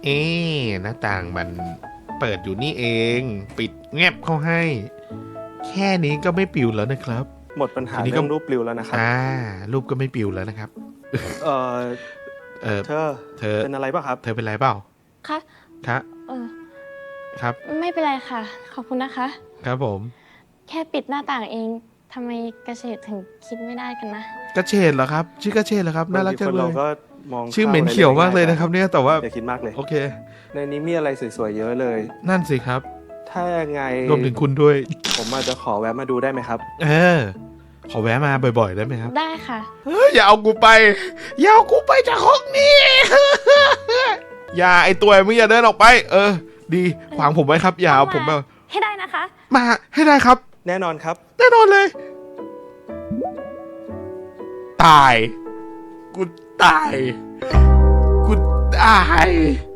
เอ๊ะหน้าต่างมันเปิดอยู่นี่เอง ปิดแงบเข้าให้ แค่นี้ก็ไม่ปิวแล้วนะครับหมดปัญหาทีนี้ก็เรื่องรูปปลิวแล้วนะครับรูปก็ไม่ปิวแล้วนะครับเออ เธอเธอเป็นอะไรป่ะครับเธอเป็นไรเปล่าคะครับเออครับไม่เป็นไรค่ะ ขอบคุณนะคะครับผมแค่ปิดหน้าต่างเองทำไมกระเฉดถึงคิดไม่ได้กันนะกระเฉดเหรอครับ ชื่อกระเฉดเหรอครับ น่ารักจังเลเรายก็มองชื่อเหม็นเขียวมากเลยนะครับ เนี่ย แต่ว่าอย่าคิดมากเลยโอเคในนี้มีอะไรสวยๆเยอะเลยนั่นสิครับถ้ายังไงรวมถึงคุณด้วยผมอาจจะขอแวะมาดูได้ไหมครับขอแวะมาบ่อยๆได้ไหมครับได้ค่ะอย่าเอากูไป อย่าเอากูไปจากห้องนี้ อย่าไอตัวมึงอย่าเดินออกไป ดีขวางผมไว้ครับ อย่าเอาผมมาให้ได้นะคะมาให้ได้ครับแน่นอนครับแน่นอนเลย ตาย กูตาย กูตาย